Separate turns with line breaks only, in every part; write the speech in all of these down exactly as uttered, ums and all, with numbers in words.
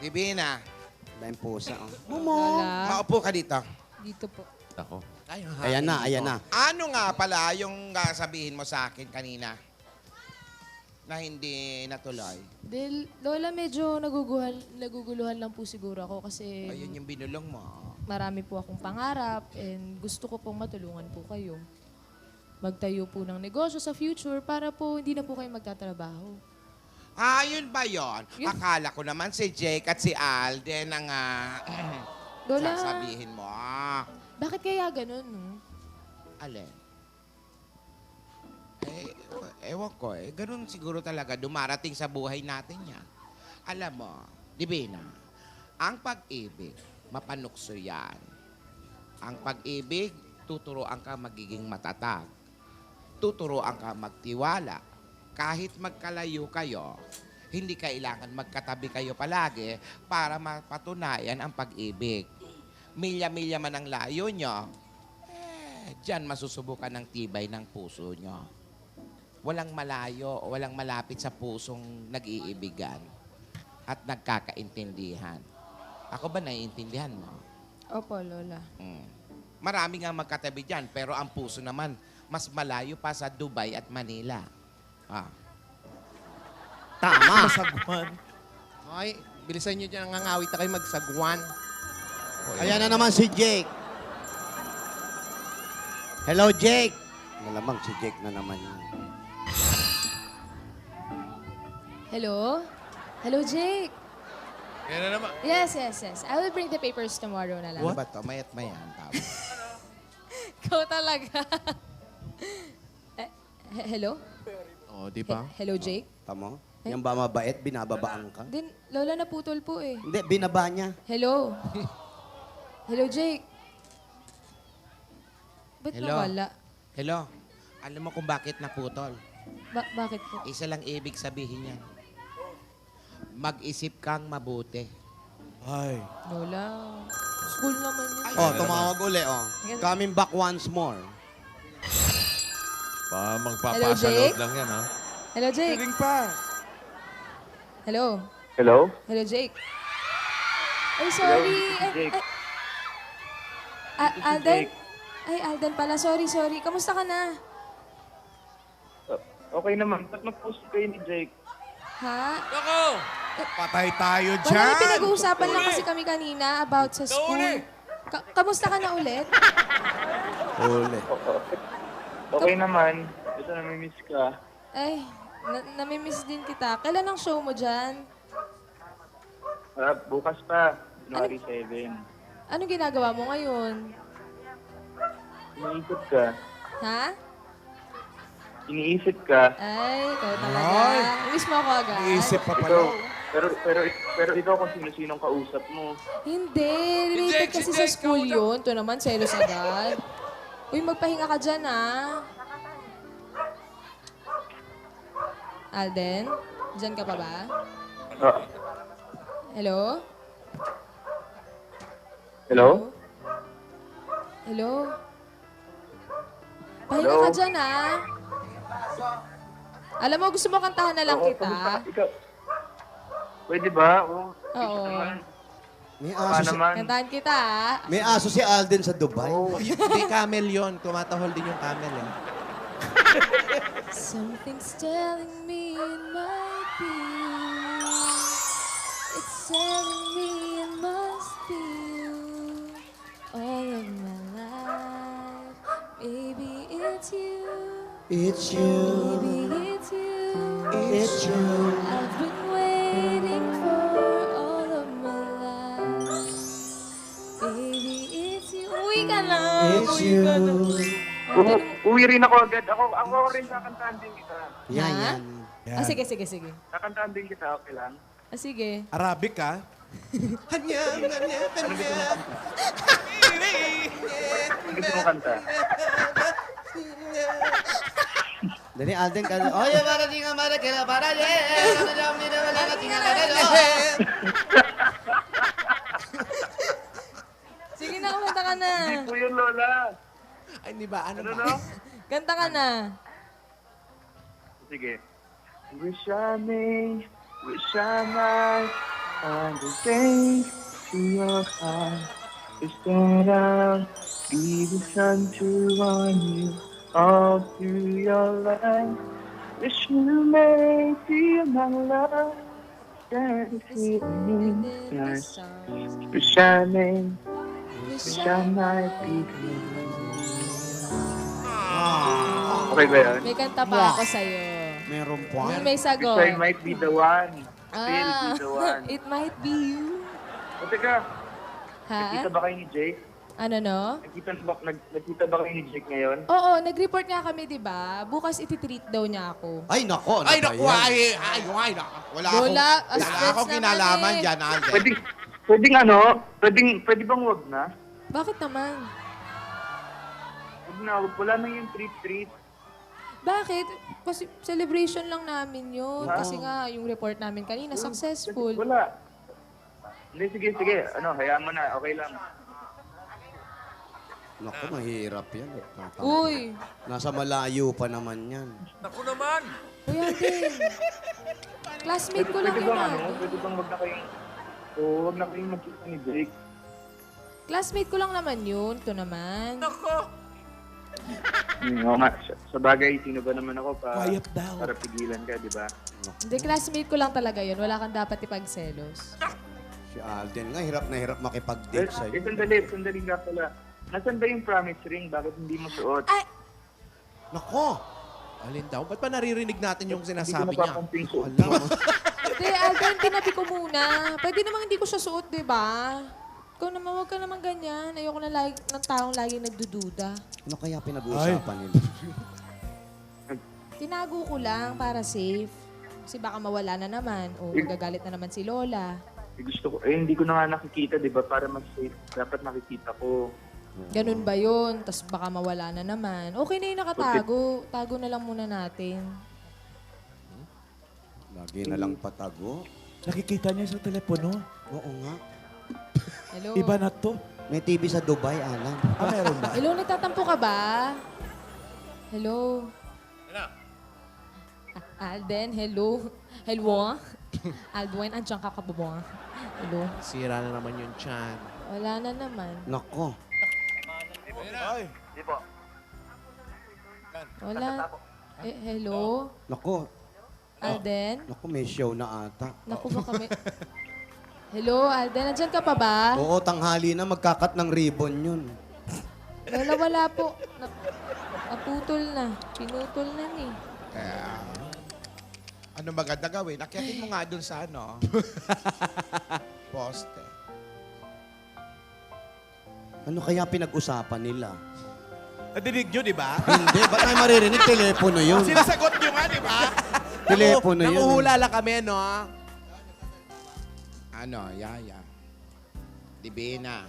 Divina,
Dahil pusa. Oh.
Lola.
maupo ka dito.
Dito po.
Ako.
Ay, ang
Ayan na,
hapon
ayan
dito.
na.
Ano nga pala yung uh, sabihin mo sa akin kanina? Na hindi natuloy.
Dahil, Lola, medyo naguguhal, naguguluhan lang po siguro ako kasi
Ayun yung binulong mo.
marami po akong pangarap and gusto ko pong matulungan po kayo. Magtayo po ng negosyo sa future para po hindi na po kayo magtatrabaho.
Ah, yun ba yun?
Yun.
Akala ko naman si Jake at si Alden ang uh,
Lola,
sasabihin mo. Ah,
bakit kaya ganun, no?
alin? Eh, ewan ko eh. Ganun siguro talaga dumarating sa buhay natin yan. Alam mo, Divina, ang pag-ibig, mapanukso yan. Ang pag-ibig, tuturoan ka magiging matatag. Tuturoan ka magtiwala. Kahit magkalayo kayo, hindi kailangan magkatabi kayo palagi para mapatunayan ang pag-ibig. Milya-milya man ang layo nyo, eh, dyan masusubukan ng tibay ng puso nyo. Walang malayo, walang malapit sa pusong nag-iibigan at nagkakaintindihan. Ako ba naiintindihan mo?
Opo, Lola.
Mm. Marami nga magkatabi dyan, pero ang puso naman, mas malayo pa sa Dubai at Manila. Ah.
Tama.
Sagwan. Ay, bilisan nyo dyan. Nangangawit na kayo magsagwan.
Ayan na naman si Jake. Hello, Jake. Malamang si Jake na naman yun.
Hello? Hello, Jake?
Yan na naman.
Yes, yes, yes. I will bring the papers tomorrow na lang.
Ano ba to? Mayat mayan. Tama.
Ikaw talaga. Eh, he- hello?
Oh, di ba?
He- hello, Jake?
Tama? Yan ba mabait? Binababaan ka?
Din, Lola, naputol po eh.
Hindi, binaba niya.
Hello? Hello, Jake? Ba't
Hello?
nawala?
Hello? Alam mo kung bakit naputol?
Ba- bakit po?
Isa lang ibig sabihin yan. Mag-isip kang mabuti.
Ay.
Lola. School naman yun.
Oh, tumawag uli, oh. Coming back once more.
Pa,
Hello,
magpapasa
Jake?
loob lang yan, ha?
Hello, Jake?
pa.
Hello?
Hello?
Hello, Jake? Ay, sorry. Ay,
Jake.
ay. A- Alden? Ay, Alden pala. Sorry, sorry. Kamusta ka na?
Uh, okay naman. Ba't mag-post kayo ni Jake?
Ha?
Ako!
Patay tayo
Wala,
dyan.
may pinag-uusapan lang kasi kami kanina about sa school. Ka- kamusta ka na ulit?
Uli.
Okay naman. Ito, namimiss ka.
Ay, na- namimiss din kita. Kailan ang show mo dyan?
Ah, bukas pa. January seven.
Anong ginagawa mo ngayon?
Iniisip ka.
Ha?
Iniisip ka.
Ay, ikaw talaga.
Ay.
Miss mo ako agad?
Iisip pa pala.
Ikaw, pero, pero, pero ikaw kung sino-sinong kausap mo.
Hindi. Related kasi sa school yun. Ito naman, selos agad. Uy, magpahinga ka dyan, ah. Alden? Dyan ka pa ba?
Ah,
Hello?
hello?
Hello? Pahinga
Hello?
ka dyan, ah. Alam mo, gusto mo kantahan na lang
Oo,
kita.
kamusta? Ikaw. Pwede ba? Oo.
Oo.
May
Baka
aso, si,
naman.
Kantahan kita, ah.
may aso si Alden sa Dubai.
Oo.
Hindi camel yon. Tumatahol din yung camel eh.
Something's telling me it might be. It's telling me it must be you. All of my life, maybe it's you.
It's you.
Maybe it's you.
It's you.
I've been waiting for all of my life. Baby, it's you. Uwi ka na.
It's
Uwi ka na.
U- uwi rin ako agad. Ako, ako rin kakantahan din kita.
Yan,
Ha?
yan.
Ah, sige, sige, sige.
Kakantahan din kita, okay lang?
Ah, sige.
Arabic ah. Hanya, hanya,
Ano gusto
hanya.
mong kanta? Ano gusto mong kanta?
Dali, Alden ka. Oye, para di nga mara, kaya para di. Ano dyan, mira, wala ka tingnan ka rin.
Sige na, kumanta ka na.
Hindi po yun, Lola.
Ay, di ba? Ano
Ano
ba?
no?
Kanta ka na.
Sige. Wish I may, wish I might And the day to your heart is that I'll be the sun to warm you all through your life. Wish you may feel my love. That is feeling nice. Wish I may, wish I might be Okay ba yun?
May kanta pa ako sa'yo.
Meron pa.
Yung may
Wish
sagot.
I might be the one. Still
Ah,
be the one.
it might be you.
O teka,
Ha?
nakita ba kayo ni Jake?
Ano no?
Nakita ba, nag, nakita ba kayo ni Jake ngayon?
Oo, nag-report nga kami, di ba? Bukas ititreat daw niya ako.
Ay, nako. Ano
Ay,
ba
naku,
yan?
ay, ay, ay, naku. Wala akong,
Wala, as
wala
friends
akong
naman
kinalaman
eh.
dyan, Alden.
Pwede, pwedeng ano, pwedeng, pwede bang wag na?
Bakit naman?
Wag na, wag, wala na yung treat-treat.
Bakit? Kasi celebration lang namin yun.
Ah.
Kasi nga, yung report namin kanina,
Kasi
successful.
wala. Hindi, sige, sige. Ano, hayaan mo na, okay lang.
Naku, mahirap yan. Nata-
Uy!
Nasa malayo pa naman yan.
Naku naman.
Uy, Alden! Classmate ko lang
Pwede
yun,
bang ano,
Alden.
pwede bang wag na kayong, oo, wag na kayong magkita ni Jake.
Classmate ko lang naman yun. Ito naman.
Naku.
Hmm, oo nga, sa, sa bagay, sino ba naman ako pa,
Quiet daw.
para pigilan ka, di ba?
Hindi, classmate ko lang talaga yun. Wala kang dapat ipagselos.
Si Alden nga, hirap na hirap
Eh,
makipag-date
eh,
sa'yo.
sandali, sandali nga pala. Nasaan ba yung promise ring? Bakit hindi mo suot?
Ay!
Nako!
Alin daw? Ba't pa naririnig natin yung
Hindi ko
sinasabi niya?
napapansin suot
Alam
mo.
mo.
Hindi, Alden, tinabi ko muna. Pwede namang hindi ko siya suot, di ba? Ikaw naman, huwag ka naman ganyan. Ayoko na lagi, ng taong laging nagdududa.
Ano kaya pinag-uusapan nila?
Tinago ko lang para safe. Kasi baka mawala na naman. O magagalit na naman si Lola.
Eh, gusto ko, eh, hindi ko na nga nakikita, di ba? Para mas safe, dapat nakikita ko.
Ganun ba yun? Tapos baka mawala na naman. Okay na yung nakatago. Tago na lang muna natin.
Lagi na lang patago.
Nakikita niya sa telepono.
Oo nga.
Hello?
Iba na to.
May T V sa Dubai, Alan.
Ah, meron ba?
Hello, nagtatampo ka ba? Hello?
Ano?
Ah, Alden, hello? Hello? Aldwin, andyan ka kababong. Hello?
Sira na naman yung chan.
Wala na naman.
Nako.
Ay.
Di po.
Wala. Eh, hello?
Nako.
Alden?
Nako, may show na ata.
Naku ba kami? Hello, Alden? Andyan ka pa ba?
Oo, tanghali na. Magkakat ng ribbon yun.
Wala, wala po. Na, naputol na. Pinutol na ni.
Kaya, ano maganda gawin? Akyatin mo nga dun sa ano, poste.
Ano kaya pinag-usapan nila?
Nadinig nyo, di ba?
Hindi, ba't tayo maririnig? Telepono yun.
Sinasagot nyo nga, di ba?
Telepono yun.
Nanguhula lang kami, no?
Ano, Yaya? Divina.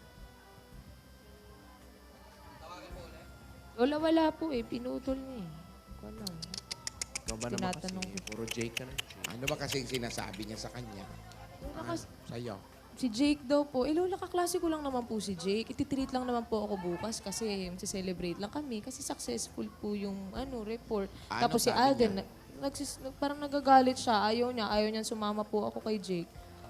Wala, wala po eh. Pinutol niya eh. Ko lang.
Ikaw ba naman kasi?
Tinatanong ko.
Puro Jake ka na.
Ano ba kasing sinasabi niya sa kanya?
Lola, kas-
Sa'yo.
si Jake daw po. Eh, Lola, kaklase ko lang naman po si Jake. Ititreat lang naman po ako bukas kasi celebrate lang kami. Kasi successful po yung ano report.
Ano
Tapos si
sabi
Alden, na- nagsis, nag- parang nagagalit siya. Ayaw niya. Ayaw niya sumama po ako kay Jake.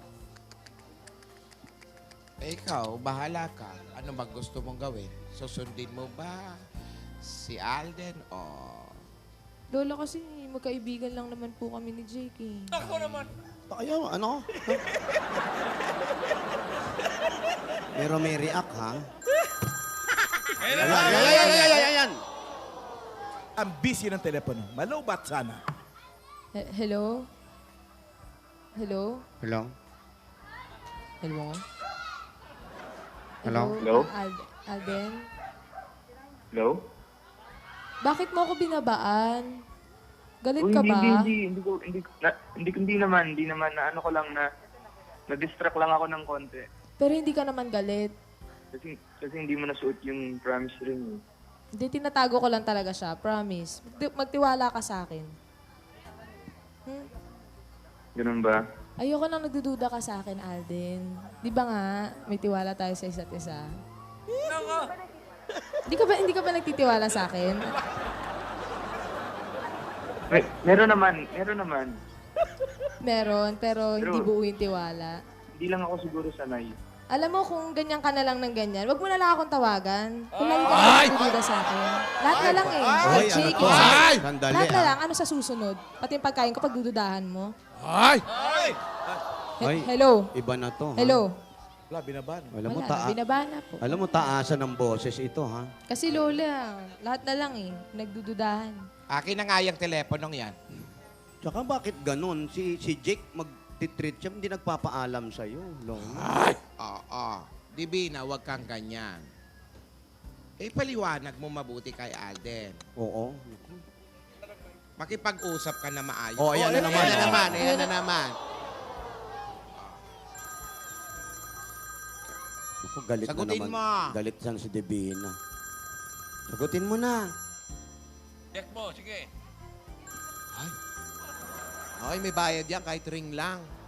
Eh, ikaw, bahala ka. Ano ba gusto mong gawin? Susundin mo ba si Alden o...
Lola, kasi magkaibigan lang naman po kami ni Jake eh.
Kaya, ano? Pero may react, ha?
Ayun
Ayan,
na.
ayan, ayan, ayan, ayan, ayan.
Ang busy ng telepono. Malubat sana.
He- hello? Hello?
Hello?
Hello?
Hello?
Hello?
Al- Alden?
Hello?
Bakit mo ako binabaan? Galit
Uy,
ka
hindi,
ba?
hindi, hindi, hindi ko, hindi, ko- na, hindi, ko- hindi naman, hindi naman, na ano ko lang na, na-distract lang ako ng konti.
Pero hindi ka naman galit.
Kasi, kasi hindi mo nasuot yung promise ring. eh.
Hindi, tinatago ko lang talaga siya. Promise. Magti- magtiwala ka sa akin. Hmm?
Ganun ba?
Ayoko nang nagdududa ka sa akin, Alden. Di ba nga, may tiwala tayo sa isa't isa? Hindi ka ba, hindi ka ba nagtitiwala sa akin?
May, meron naman, meron naman.
Meron, pero hindi
Pero-
buo yung tiwala.
Hindi lang ako siguro sanay.
Alam mo, kung ganyan ka na lang ng ganyan, wag mo na lang akong tawagan. Kung lagi ka na nagdududa sa akin. Lahat na lang eh.
Ay, ano
Jake,
to?
eh.
Sandali
Lahat na
ah.
lang. Ano sa susunod? Pati yung pagkain ko, pagdududahan mo.
Ay!
He-
Ay.
Hello?
Iba na to. ha?
Hello?
Wala, binaban.
Alam mo,
Wala,
taa
binabana po.
alam mo, taasan ng boses ito, ha?
Kasi Lola, lahat na lang eh. Nagdududahan.
Akin na nga yung teleponong yan.
Tsaka bakit ganun? Si, si Jake mag-treat siya, hindi nagpapaalam sa'yo. Lola.
Oo. Divina, huwag kang ganyan. Eh, paliwanag mo mabuti kay Alden.
Oo.
Makipag-usap ka na maayos.
Oh, ayan na naman.
Ayan na
oh.
naman, ayan na naman.
Ako, galit
Sagutin
na naman.
mo.
Galit siya si Divina. Sagutin mo na.
Check mo, sige.
Ay, may bayad yan kahit ring lang.